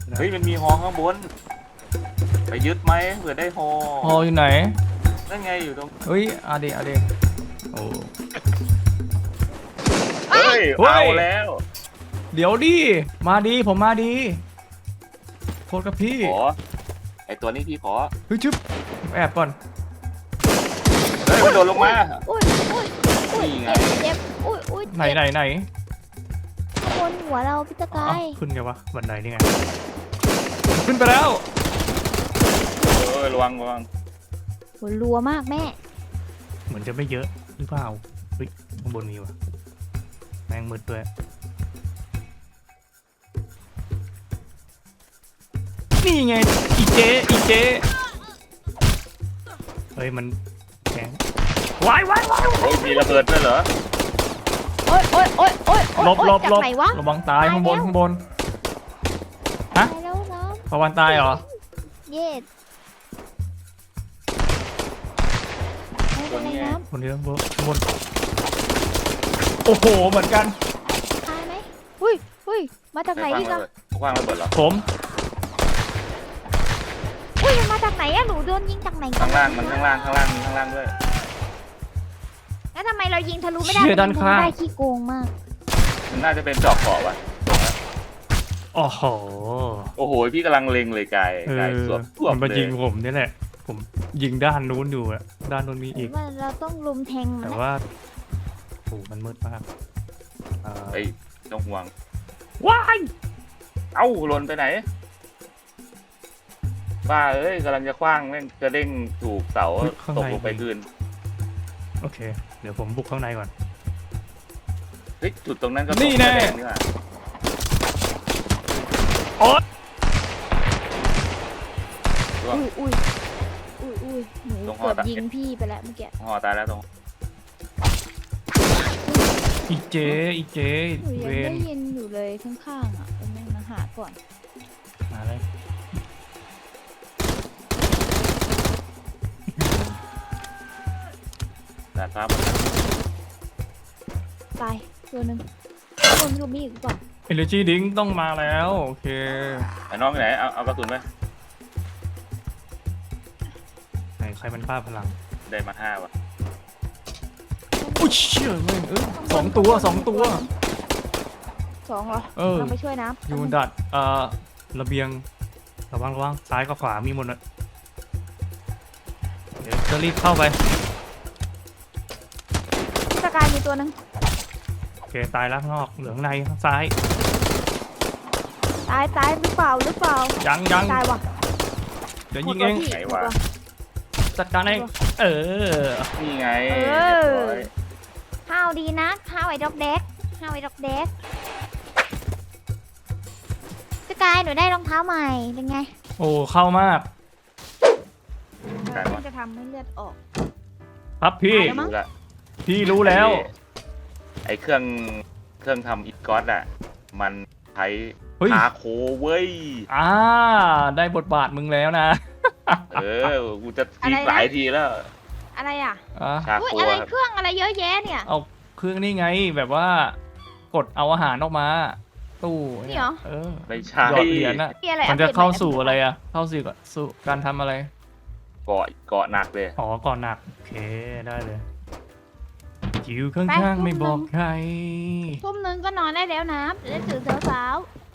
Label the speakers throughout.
Speaker 1: เฮ้ยมันมีฮอข้างบนไปยึดไหมเผื่อได้ฮอ
Speaker 2: ฮออยู่ไหน
Speaker 1: นั่นไงอยู่ตรง
Speaker 2: เฮ้ยอาเดโอ้
Speaker 1: เฮ้ยเอาแล้ว
Speaker 2: เดี๋ยวดิมาดีผมมาดีโทษกับพี่
Speaker 1: ขอไอตัวนี้พี่ขอ
Speaker 2: เฮ้ยชึบแอบก่อน
Speaker 1: เฮ้ยมันโดดลงมา
Speaker 3: อุ้ยอุ้ยอุ้ย
Speaker 1: นี่ไง
Speaker 3: เจ็บอุ้ยอุ้ย
Speaker 2: ไหนไหน
Speaker 3: ข้างบนหัวเราพี่ตะกาย
Speaker 2: ขึ้นไงวะบันไดนี่ไงขึ้นไปแล้ว
Speaker 1: ระวัง
Speaker 3: หัวรัวมากแม่
Speaker 2: เหมือนจะไม่เยอะหรือเปล่าเฮ้ยข้างบนมีวะแมงมืดด้วยนี่ไงอีเจเฮ้ยมันแข็งวาย
Speaker 1: โอ้ยมีระเบิดด้วยเหรอ
Speaker 3: โอ้ยโอ้ยโอ้ยโอ้ย
Speaker 2: หลบ
Speaker 3: จากไหนวะ
Speaker 2: ระวังตายข้างบนฮะ
Speaker 3: ตายแล้วน้
Speaker 2: ปะวันตายเหรอ
Speaker 3: ำเย็ดไม่เป็นไรน้
Speaker 2: คนเดียวข้างบนโอ้โหเหมือนกัน
Speaker 3: ำตายไหมอุ้ยอุ้ยมาจากไหนอีกอะ
Speaker 1: คว้างระเบิดเหรอ
Speaker 2: ผม
Speaker 3: อุ้ยมันมาจากไหนอะหนูโดนยิงจากไหน
Speaker 1: ข้างล่างมันข้างล่างด้วย
Speaker 3: แล้วทำไมเรายิงทะลุไม่ได้
Speaker 2: เชื่อด้านข้าง
Speaker 3: ได้ขี้โกงมาก
Speaker 1: มันน่าจะเป็นจอกเกาะวะ
Speaker 2: โอ้โห
Speaker 1: โอ้โหพี่กำลังเล็งเลยกายสวบ
Speaker 2: มันมา
Speaker 1: เลย
Speaker 2: ยิงผมนี่แหละ ผมยิงด้านนู้นอยู่อะด้านนู้นมีอีก
Speaker 3: ว่าเราต้องลุมแทงมัน
Speaker 2: แต่
Speaker 3: นะ
Speaker 2: ว่าโอ้มันมืดมาก
Speaker 1: ไอ้ต้องห่วง
Speaker 2: ว้าย
Speaker 1: เอ้าหล่นไปไหนบ้าเอ้ยกำลังจะคว้างแม่งกระเด้งถูกเสาตกลงไปคืน
Speaker 2: โอเค เดี๋ยวผมบุกข้างในก่อน
Speaker 1: เฮ้ยจุดตรงนั้นก็
Speaker 2: นี่แน่
Speaker 1: กระเด้งนี่ว่ะ
Speaker 2: โอ๊ย
Speaker 3: อุ้ยอุ้ยอุ้ยอุ้ยหนูเกือบยิงพี่ไปแล้วเมื่อกี้
Speaker 1: ห่อตายแล้วตรง
Speaker 2: อีเจ
Speaker 3: หนูยัง
Speaker 2: เว
Speaker 3: ได้
Speaker 2: น
Speaker 3: ยินอยู่เลยข้างๆอ่ะเป็นยังมาหาก่อน
Speaker 2: มาเลย
Speaker 1: แต่ครับ
Speaker 3: ตายตัวหนึ่งตัวไม่รู้มีอีกหรือเปล่า
Speaker 2: เอเนจีดิ้งต้องมาแล้วโอเค
Speaker 1: ไอ้น้องอยู่ไหนเอากระสุนไหม
Speaker 2: ไหนใครมันบ้าพลัง
Speaker 1: ได้มา5ว่ะ
Speaker 2: อุ้ยเชี่ยแม่งสองตัว
Speaker 3: สองเหรอ
Speaker 2: เออ
Speaker 3: เราไปช่วยน้ำ
Speaker 2: อยู่บนดัดระเบียงระวังซ้ายกับขวามีหมดเลยเดี๋ยวจะรีบเข้าไป
Speaker 3: พี่ตะกายมีตัวหนึง
Speaker 2: โอเคตายแล้วข้างนอกเหลืองในข้างซ้าย
Speaker 3: ตายหรือเปล่า
Speaker 2: ยัง
Speaker 3: ตายว่ะ
Speaker 2: เดี๋ยวยิงเอง
Speaker 3: หมด
Speaker 1: ไหน
Speaker 3: ตัว
Speaker 1: วะ
Speaker 2: จัดการเองเออ
Speaker 1: นี่ไง
Speaker 3: เออ
Speaker 1: เรียบร้อย
Speaker 3: ห้าวดีนะห้าวไอ้ดอกเด็กพี่ตะกายหนูได้รองเท้าใหม่เป็นไง
Speaker 2: โอ้เข้ามาก
Speaker 3: มันจะทำให้เลือดออก
Speaker 2: ครับพี่
Speaker 3: ตายแล้วมั้ง
Speaker 1: รู้ละ
Speaker 2: พี่รู้แล้ว
Speaker 1: ไอ้เครื่องทำอีกอสอ่ะมันใช้
Speaker 2: เฮ้ย
Speaker 1: พาโคเว้ย
Speaker 2: ได้บทบาทมึงแล้วนะ
Speaker 1: กูจะทีหลายทีแล้ว
Speaker 3: อะไรอ่ะ
Speaker 2: อ่ะ
Speaker 1: ชา
Speaker 3: อุ้ย
Speaker 1: โค
Speaker 3: อะไร
Speaker 1: ครับ
Speaker 3: เครื่องอะไรเยอะแยะเนี่ย
Speaker 2: เอาเครื่องนี่ไงแบบว่ากดเอาอาหารออกมา ตู้
Speaker 3: นี่เหรอ
Speaker 2: เออ
Speaker 1: ไม่ใช่
Speaker 2: หยอดเหรียญน่ะ
Speaker 3: มีอะไร
Speaker 2: มันจะ
Speaker 3: อัปดต
Speaker 2: เข้า
Speaker 3: ห
Speaker 2: สู่อะไรอ่ะ เข้าสู่การทำอะไร
Speaker 1: เกาะหนักเลย
Speaker 2: อ๋อก่อนหนัก โอเค ได้เลยอยู่ข้างๆไม่บอกใคร
Speaker 3: ทุ่มหนึงก็นอนได้แล้วนะจะได้ตื่นเช้า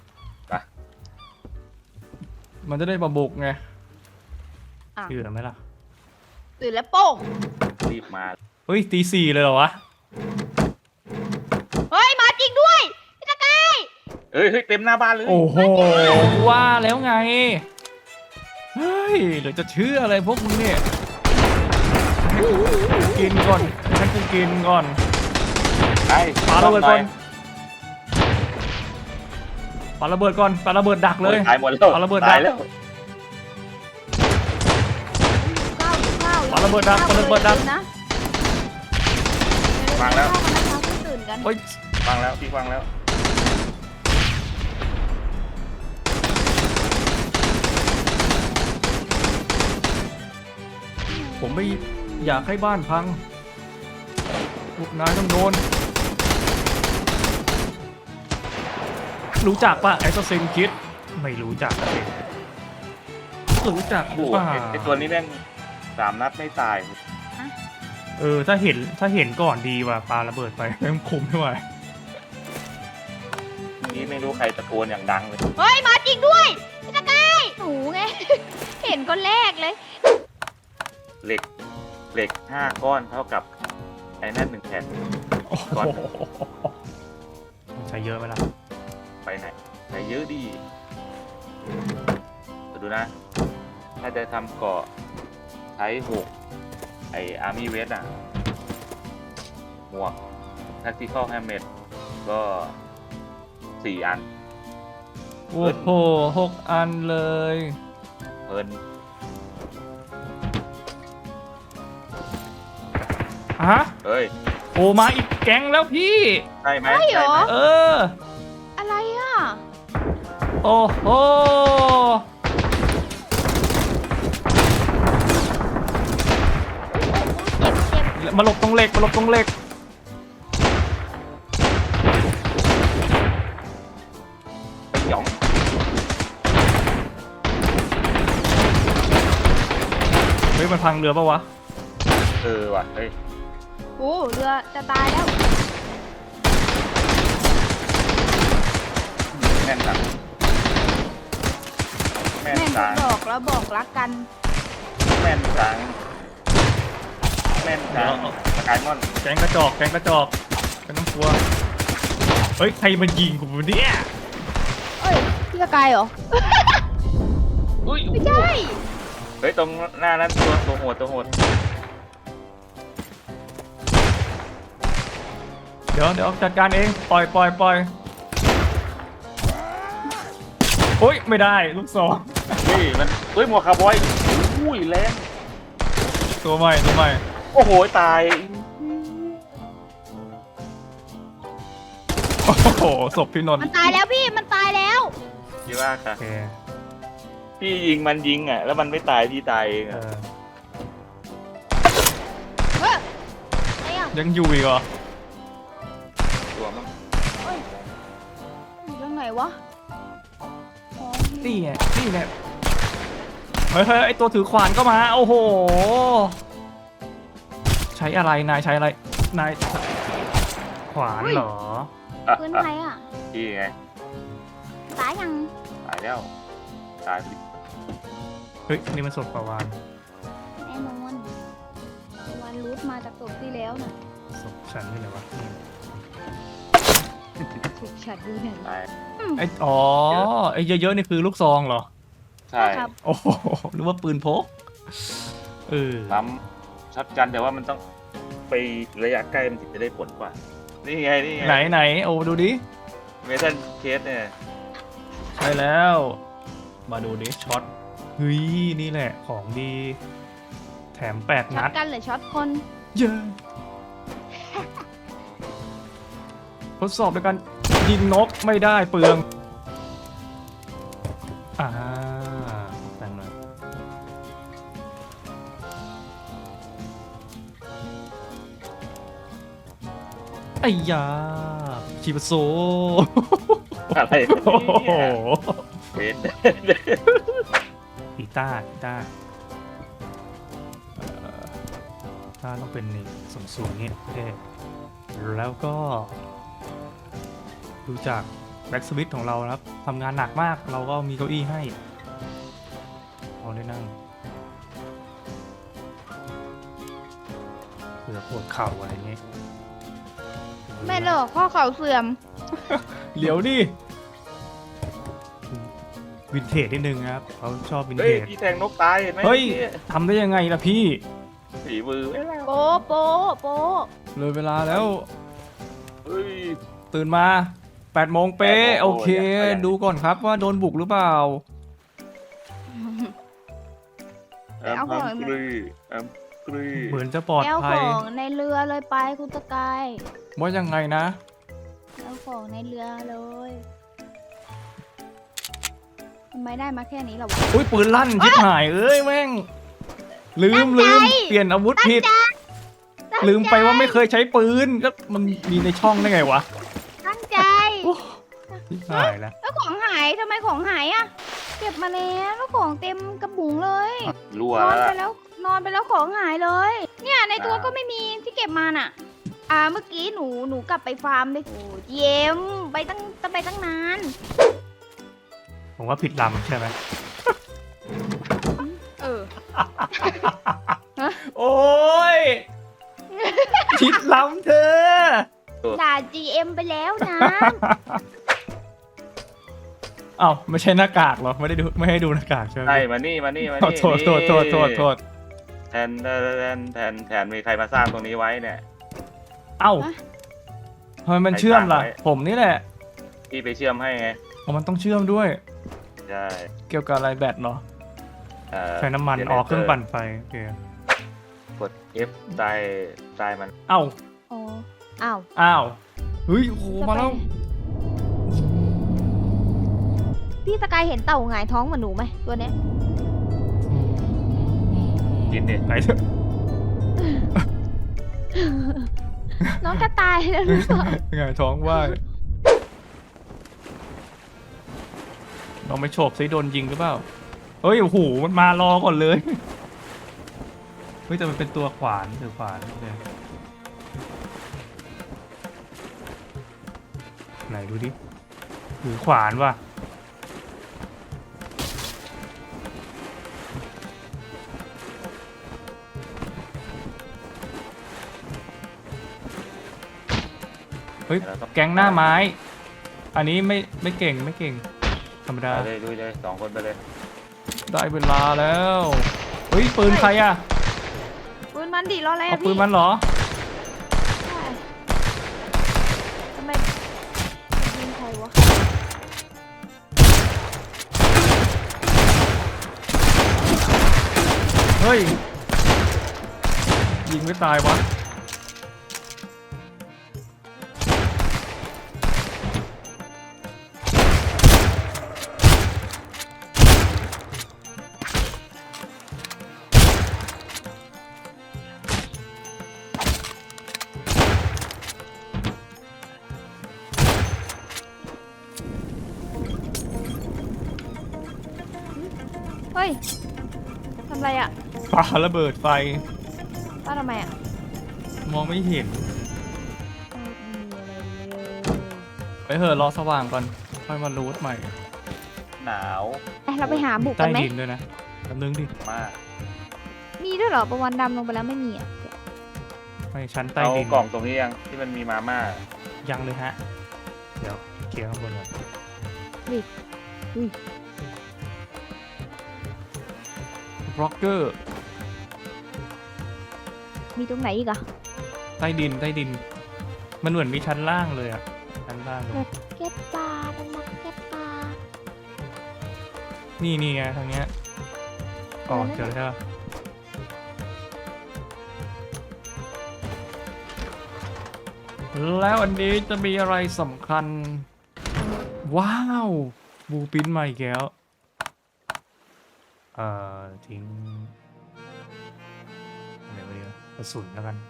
Speaker 2: มันจะได้มาบุกไง
Speaker 3: อ่ะ
Speaker 2: เชื่อไหมล่ะ
Speaker 3: ๆตื่นแล้วโป้ง
Speaker 1: รีบมา
Speaker 2: เฮ้ยตีสี่เลยเหรอวะ
Speaker 3: เฮ้ยมาจริงด้วยพี่ตะกาย
Speaker 1: เฮ้ยเต็มหน้าบ้านเลย
Speaker 2: โอ้โห ว่าแล้วไง เฮ้ยเดี๋ยวจะเชื่ออะไรพวกมึงเนี่ยกินก่อนฉันจะกินก่อน
Speaker 1: ไอ้
Speaker 2: ปาระเบิดก่อนปาระเบิดก่อนปาระเบิดดักเลย
Speaker 1: ตายหมดแล้ว
Speaker 2: ปาระเบิด
Speaker 1: ตายแล้ว
Speaker 3: ข้าว
Speaker 2: ปาระเบิดดักปาระเบิดดัก
Speaker 3: นะ
Speaker 1: ฟังแล้ว
Speaker 3: ตื่นกัน
Speaker 2: เฮ้ย
Speaker 1: ฟังแล้วพี่ฟังแล้ว
Speaker 2: ผมไม่อยากให้บ้านพังพวกนายต้องโดน รู้จักป่ะไอ้ตัวเซนคิดไม่รู้จักเลยรู้จักห
Speaker 1: โอ้
Speaker 2: รือ
Speaker 1: โห
Speaker 2: เปล่า
Speaker 1: ไอตัวนี้แม่ง3 นัดไม่ตาย
Speaker 2: ถ้าเห็นก่อนดีว่ะปาระเบิดไปแม่งคุมไม่ไหว
Speaker 1: นี่ไม่รู้ใครตะโกนอย่างดังเลย
Speaker 3: เฮ้ยมาจริงด้วยพี่ตะกายหนูไง เห็นคนแรกเลย
Speaker 1: เหล็ก5 ก้อนเท่ากับไอ้นั่น1 แผ่น
Speaker 2: โอ้โห
Speaker 1: ก่อน
Speaker 2: ใช้เยอะไหมล่ะ
Speaker 1: ไปไหนไหนเยอะดีดูนะ ถ้าจะทำเกาะใช้6ไออาร์มี่เวสอ่ะหมวก tactical helmet ก็4 อัน
Speaker 2: โอ้โห6 อันเลย
Speaker 1: เพลิน
Speaker 2: ฮะ
Speaker 1: เฮ้ย
Speaker 2: โอ้มาอีกแก๊งแล้วพี่
Speaker 1: ใช่ไหม
Speaker 3: ใช่เหรอ
Speaker 2: เออ
Speaker 3: อะไรอ่ะ
Speaker 2: โอ้โห
Speaker 3: เจ็บ
Speaker 2: มาหลบตรงเหล็กมาหลบตรงเหล็ก
Speaker 1: ไปหยอง
Speaker 2: เฮ้ยมันพังเรือปะวะ
Speaker 1: ว่ะเฮ้ย
Speaker 3: โอ้เรือจะตายแล้ว
Speaker 1: แม่นจังแม่น
Speaker 3: แม่ง
Speaker 1: จัง
Speaker 3: บอกแล้วบอกรักกัน
Speaker 1: แม่นจังแม่นจังสกายมอน
Speaker 2: แก๊งกระจอกไม่ต้องกลัว เฮ้ยใครมันยิงกูเนี่ย
Speaker 3: เอ้ยพี่ตะกายเหรอ
Speaker 1: อุ้ย
Speaker 3: ไม่ใช่
Speaker 1: เฮ้ยตรงหน้านั้นตัวโหด
Speaker 2: เดี๋ยวจัดการเองปล่อยโอ้ยไม่ได้ลูกศร
Speaker 1: นี่มันเฮ้ยหมวกคาร์บอยอุ้ยแรง
Speaker 2: ตัวใหม่
Speaker 1: โอ้โหตาย
Speaker 2: โอ้โหศพพี่นนท์
Speaker 3: มันตายแล้วพี่มันตายแล้ว
Speaker 1: พี่ว่าค่ะ
Speaker 2: โอเค
Speaker 1: พี่ยิงอ่ะแล้วมันไม่ตายพี่ตายเอง
Speaker 2: เอ
Speaker 1: อะ
Speaker 2: อ
Speaker 3: เฮ้ยอะไรอ่ะ
Speaker 2: ยังอยู่อีกเหรอ
Speaker 1: ตัวมั้ง
Speaker 3: อยู่ตรงไหนวะอ๋อ
Speaker 2: นี่ไงเฮ้ยไอตัวถือขวานก็มาโอ้โหใช้อะไรนายใช้อะไรนายขวานเหรอ
Speaker 3: ปืนใครอ่ะ
Speaker 1: พี่ไง
Speaker 3: ตายยัง
Speaker 1: ตายแล้วตาย
Speaker 2: เฮ้ยนี่มันศพประวาน
Speaker 3: แน่นอนวันรูทมาจากศพที่แล้วน่ะ
Speaker 2: ศพฉันนี่ไหนวะนี่
Speaker 3: ถูกฉัดดูหน่อย
Speaker 1: ตาย
Speaker 2: ไออ๋อไอเยอะๆนี่คือลูกซองเหรอ
Speaker 1: ใช่
Speaker 3: ครับ
Speaker 2: โอ้โหหรือว่าปืนพกเออ
Speaker 1: ล้ำช็อตกันแต่ว่ามันต้องไประยะใกล้มันถึงจะได้ผลกว่า นี่ไง
Speaker 2: ไหนโอ้ดูดิ
Speaker 1: เมทัลเคสเนี่ย
Speaker 2: ใช่แล้ว มาดูดิช็อตเฮ้ยนี่แหละของดีแถม8
Speaker 3: ช็อ
Speaker 2: นั
Speaker 3: ต
Speaker 2: ด
Speaker 3: กันหรือช็อตคน
Speaker 2: เยอะทดสอบด้วยกันยิงนกไม่ได้เปลืองแต่งหน่อยไอ้ยาชิบะโซ
Speaker 1: อะไร
Speaker 2: โอ้โห
Speaker 1: เวท
Speaker 2: กีตาร์ต้องเป็นนี่สูงๆนี่เท่แล้วก็ดูจากแบ็กสวิตของเรานะครับทำงานหนักมากเราก็มีเก้าอี้ให้เราได้นั่งเผื่อปวดเข่าอะไรเงี้ย
Speaker 3: ไม่หรอกข้อเข่าเสื่อม
Speaker 2: เหลียวดิวินเทจนิดนึงครับเขาชอบวิน
Speaker 1: เฮ้
Speaker 2: เท
Speaker 1: ย
Speaker 2: จ
Speaker 1: พี่แทงนกตายเห็นไหม
Speaker 2: เฮ้ยทำได้ยังไงล่ะพี่
Speaker 1: สีมือไม่แล้ว
Speaker 3: โป๊ะโป๊ะโป๊ะ
Speaker 2: เลยเวลาแล้ว
Speaker 1: เฮ้ย
Speaker 2: ตื่นมา8 โมงเป๊ะ
Speaker 1: 8 โมง
Speaker 2: โอเค
Speaker 1: ยัง
Speaker 2: ดูก่อนครับว่าโดนบุกหรือเปล่า
Speaker 1: แอมพัมกรีแอมกรี
Speaker 2: เหมือนจะปลอด
Speaker 3: แอล
Speaker 2: ภั
Speaker 3: ข
Speaker 2: ย
Speaker 3: องในเรือเลยไปคุณตะกาย
Speaker 2: ว่ายังไงนะ
Speaker 3: แอลของในเรือเลยทำไมได้มาแค่นี้ล่ะวะ
Speaker 2: อุ้ยปืนลั่นชิบหายเอ้ยแม่งลืมเปลี่ยนอาวุธผิด ลืมไปว่าไม่เคยใช้ปืนก็มันมีในช่องได้ไงวะ
Speaker 3: ตั้งใจ
Speaker 2: ชิบหายแล้ว
Speaker 3: แล้วของหายทำไมของหายอะเก็บมาแล้วของเต็มกระบุงเลย
Speaker 1: รั่วน
Speaker 3: อน
Speaker 1: แล้ว
Speaker 3: ไป
Speaker 1: ล่ะ
Speaker 3: แล้วนอนไปแล้วของหายเลย เนี่ยในตัวก็ไม่มีที่เก็บมาน่ะ เมื่อกี้หนูกลับไปฟาร์มเลยโอ้เยี่ยมไปตั้งนาน
Speaker 2: ผมว่าผิดลำใช่ไหม
Speaker 3: เออ
Speaker 2: โอ้ยผิดลำเธอ
Speaker 3: ด่า GM ไปแล้วนะ
Speaker 2: เอ้าไม่ใช่หน้ากากเหรอไม่ให้ดูหน้ากากใช่ไหม
Speaker 1: ใช่มานี่
Speaker 2: เอาโทษ
Speaker 1: แทนมีใครมาสร้างตรงนี้ไว้เนี่ย
Speaker 2: เอ้าทำไมมันเชื่อมล่ะ
Speaker 1: ใครสร้างไว้
Speaker 2: ผมนี่แหละ
Speaker 1: พี่ไปเชื่อมให้ไง
Speaker 2: อ๋อมันต้องเชื่อมด้วย
Speaker 1: ใช่
Speaker 2: เกี่ยวกับอะไรแบตเหรอ ใช้น้ำมัน
Speaker 1: generator
Speaker 2: เครื่องปั่นไฟโอเค
Speaker 1: กด F ใต้มัน
Speaker 2: เอ้า
Speaker 3: อ๋อ อ้าว
Speaker 2: อ้าวเฮ้ยโอ้โหมาแล้ว
Speaker 3: พี่สกายเห็นเต่าหงายท้องเหมือนหนูไหมตัวเนี้ย
Speaker 1: กินดิ
Speaker 2: ไหนเถอะ
Speaker 3: น้องจะตายแล้วหรือเปล่า
Speaker 2: ไงท้องว่ายลองไปโฉบซิโดนยิงหรือเปล่าเฮ้ยโอ้โหมันมารอก่อนเลยเฮ้ยแต่มันเป็นตัวขวานถือขวานโอเคไหนดูดิถือขวานว่ะเฮ้ยแก๊งหน้าไม้ อันนี้ไม่เก่งธรรมดา
Speaker 1: ไปเลยลุยเลย2 คนไปเลย
Speaker 2: ได้เวลาแล้วเฮ้ยปืนใครอะ
Speaker 3: ปืนมันดิรออะไร
Speaker 2: เอา
Speaker 3: อะ
Speaker 2: ปื
Speaker 3: พี่
Speaker 2: นมันเหรอ
Speaker 3: ใช่ทำไมยิงใครวะ
Speaker 2: เฮ้ยยิงไม่ตายวะ
Speaker 3: เฮ้ยทำไรอะ
Speaker 2: ปาระเบิดไฟ
Speaker 3: ป้าทำไมอะ
Speaker 2: มองไม่เห็น
Speaker 3: ไม่มีอะไรเลย
Speaker 2: ไปเถอะรอสว่างก่อนค่อยมารูทใหม่
Speaker 1: หนาว
Speaker 3: เราไปหาบุก
Speaker 2: ใต้
Speaker 3: กันไหม
Speaker 2: ดินด้วยนะแป๊บนึงดิ
Speaker 1: มาก
Speaker 3: มีด้วยเหรอประวันดำลงไปแล้วไม่มีอะ
Speaker 2: ไม่ชั้นใต้
Speaker 1: เอา
Speaker 2: ดิน
Speaker 1: กล่องตรงนี้ยังที่มันมีมาม่า
Speaker 2: ยังเลยฮะ เดี๋ยวเคลียร์ข้างบนก่อน
Speaker 3: อุ้ย
Speaker 2: บล็อกเกอร์
Speaker 3: มีตรงไหนอีกอะ
Speaker 2: ใต้ดิน มันเหมือนมีชั้นล่างเลยอะชั้นล่างเลย
Speaker 3: เก็บปลาเป็นนักเก็บปลา
Speaker 2: นี่ไงทางเนี้ยอ๋อเจอแล้วแล้วอันนี้จะมีอะไรสำคัญ ว้าวบูปินมาอีกแล้วทิ้งอะไรวะเนี่ยกระสุนแล้วกัน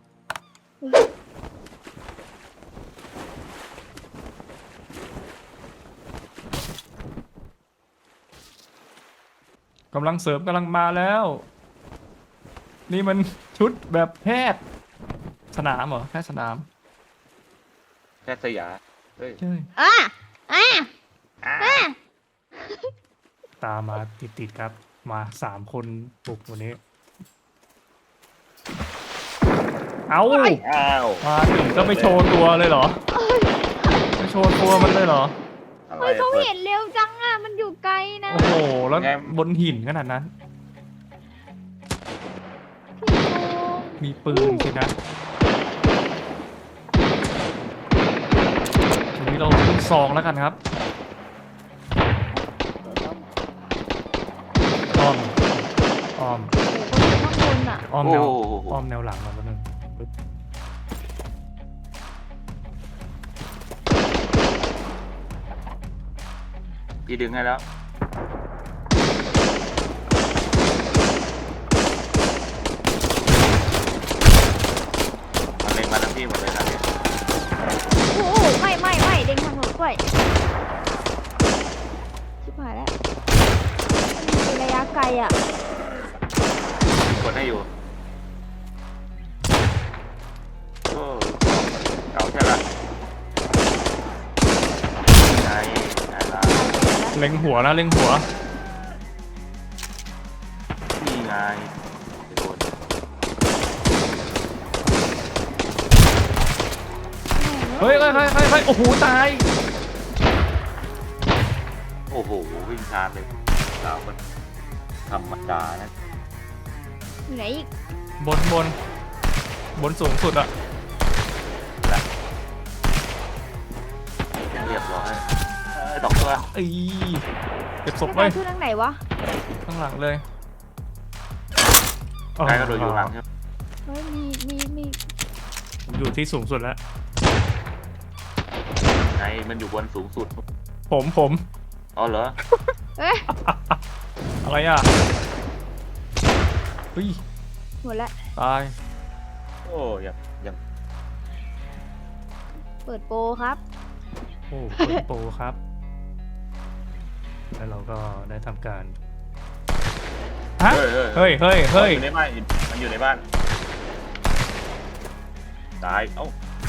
Speaker 2: กำลังเสริมกำลังมาแล้ว นี่มันชุดแบบแพทย์สนามเหรอแพทย์สนาม
Speaker 1: แค่สยาเฮ้ย
Speaker 2: ใช่
Speaker 3: อ่ะอ่ะ
Speaker 1: อ่า
Speaker 3: อ่ะ
Speaker 2: ตามมาติดครับมา3 คนบุกวันนี้ เอา
Speaker 1: อ้าว
Speaker 2: มาถึงก็ไม่โชว์ตัวเลยเหรอไม่โชว์ตัวมันเลยเหรอ
Speaker 1: อะไร
Speaker 3: เฮ้ยเขา
Speaker 1: เปิด
Speaker 3: เห็นเร็วจังอะมันอยู่ไกลนะ
Speaker 2: โอ้โหแล้ว
Speaker 1: ไง
Speaker 2: บนหินขนาดนั้น
Speaker 3: พี่โกง
Speaker 2: มีปืนสินะทีนี้เราขึ้นซองแล้วกันครับอ้อม
Speaker 3: โอ้โหข้างบนอะ
Speaker 2: อ้อม
Speaker 1: โอ้
Speaker 2: แนว
Speaker 1: โห
Speaker 2: อ้อมแนวหลังมาแป๊บนึงปึ๊บ
Speaker 1: พี่ดึงให้แล้วมันเล็งมาทั้งพี่หมดเลยครับเนี่ย
Speaker 3: โอ้โหไม่เด้งทางหนูด้วยไกลอ่ะ
Speaker 1: กดให้อยู่โอ้เก่าใช่ละไงไงล่ะ
Speaker 2: เล็งหัวนะเล็งหัว
Speaker 1: นี่ไงโดน
Speaker 2: เฮ้ยโอ้โหตาย
Speaker 1: โอ้โหวิ่งชาร์จเลยสาวมันธรรมดานะ
Speaker 3: อยู่ไหนอีก
Speaker 2: บนสูงสุดอะ
Speaker 1: เรียบร้อยดอกตัว
Speaker 2: อีเก็บศพ
Speaker 3: ไม่
Speaker 2: ไว้
Speaker 3: ได้ขึ้นทางไหนวะ
Speaker 2: ข้างหลังเลย
Speaker 1: ใครก็โดนอยู่หลังครับ
Speaker 3: เฮ้ยมี
Speaker 2: ผมอยู่ที่สูงสุดแล้ว
Speaker 1: ไงมันอยู่บนสูงสุด
Speaker 2: ผม
Speaker 1: อ๋อเหรอ
Speaker 3: เอ้ย
Speaker 2: อะไรอ่ะเฮ้ย
Speaker 3: หมดละ
Speaker 2: ตาย
Speaker 1: โอ้ยัง
Speaker 3: เปิดโปรครับ
Speaker 2: โอ้เป็นโปรครับ แล้วเราก็ได้ทำการฮะ
Speaker 1: เฮ้ย
Speaker 2: เฮ้ย
Speaker 1: อยู่ในบ้านมันอยู่ในบ้านตายเอ้า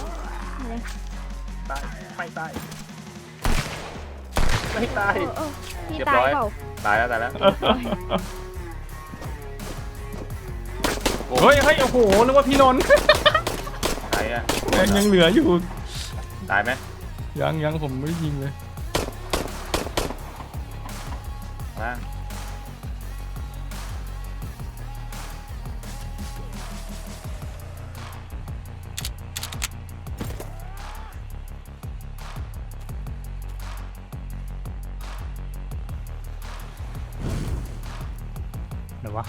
Speaker 1: ตายไม่ตายไม่ตาย
Speaker 3: พี่
Speaker 1: เรียบ
Speaker 3: ตา
Speaker 1: ร้
Speaker 3: ย
Speaker 1: อย
Speaker 3: เปล่า
Speaker 1: ตายแล้วโอ้
Speaker 2: เฮ้ยโอ้โหนึกว่าพี่นนท์
Speaker 1: ตายอ่ะ
Speaker 2: ยังเหลืออยู่
Speaker 1: ตายไหม
Speaker 2: ยังผมไม่ยิงเลย
Speaker 1: ล่าง
Speaker 2: เดี๋ยววะ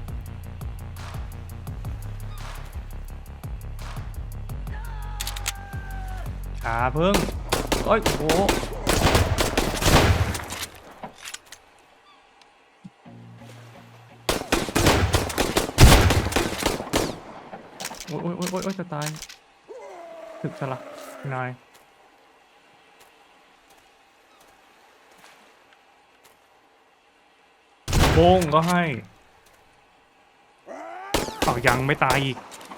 Speaker 2: ขาเพิ่งโอ้ยโอ้โหโอ้ยจะตายถึกซะละนายโบ้งก็ให้เอายังไม่ตายอีก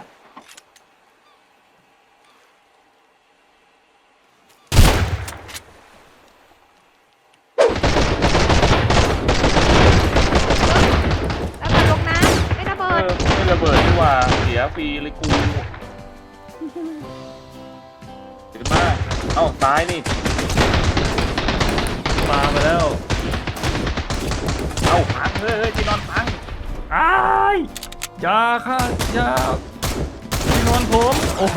Speaker 3: แล้วมันลงน้ำไม่ระเบิด
Speaker 1: ไม่ระเบิดดีกว่าเสียฟรีเลยกูถึงมากเอ้าตายนี่มาแล้ว เอ้าพังเฮ้ยที่นอนพัง
Speaker 2: อ้ายยาค่ะยาที่นอนผมโอ้โห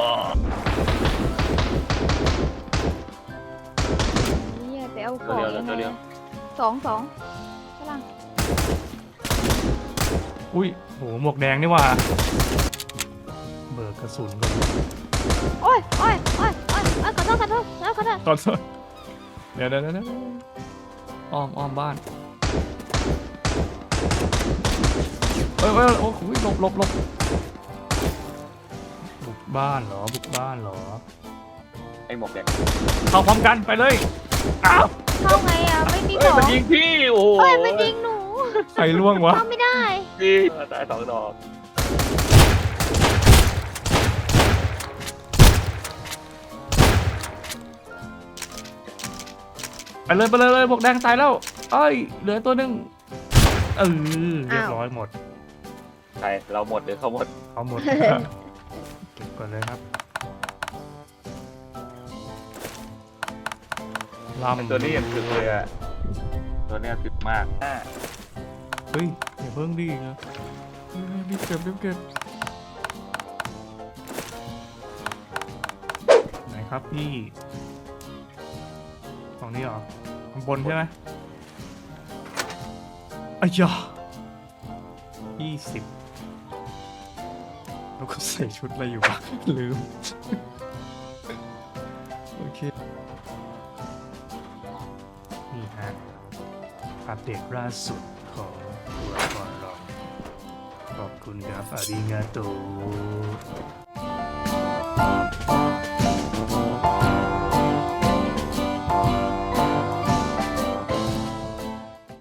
Speaker 3: นี่ไปเอาข
Speaker 1: ตัว
Speaker 3: อง
Speaker 1: เดียว
Speaker 3: ยังไง
Speaker 1: ตัวเดียว
Speaker 3: สองฝรั่ง
Speaker 2: อุ้ยโหหมวกแดงนี่หว่าเบิกกระสุนก่อน
Speaker 3: โอ้ยขอโทษ
Speaker 2: ก่อนเดี๋ยวอ้อมบ้านโอ้โหหลบบุกบ้านเหรอ
Speaker 1: ไอ้หมวกแดง
Speaker 2: เข้าพร้อมกันไปเลยอ้าว
Speaker 3: เข้าไงอ่ะไม่มีข
Speaker 1: เฮ้ย
Speaker 3: อง
Speaker 1: มันยิงพี่โอ้โห
Speaker 3: เฮ้ยมันยิงหนู
Speaker 2: ใครล่วงวะ
Speaker 3: เข้าไม่ได้
Speaker 1: พี่ตายสองดอก
Speaker 2: ไปเลยหมวกแดงตายแล้วเอ้ยเหลือตัวหนึงเรียบร้อยหมด
Speaker 1: ใครเราหมดหรือเขาหมด
Speaker 2: เอาหมด เก็บก่อนเลยครับลำ
Speaker 1: ตัวนี้ยังถึกเลยอะตัวเนี้ยถึกมาก
Speaker 2: เฮ้ยอย่าเพิ่งดีนะรีบเก็บไหนครับพี่ฝั่งนี้เหรอข้างบนใช่ไหมอ้ยา20แล้วก็ใส่ชุดอะไรอยู่วะ ลืม โอเค นี่ฮะอัปเดตล่าสุดของตัวละครเราขอบคุณครับอาริงาโต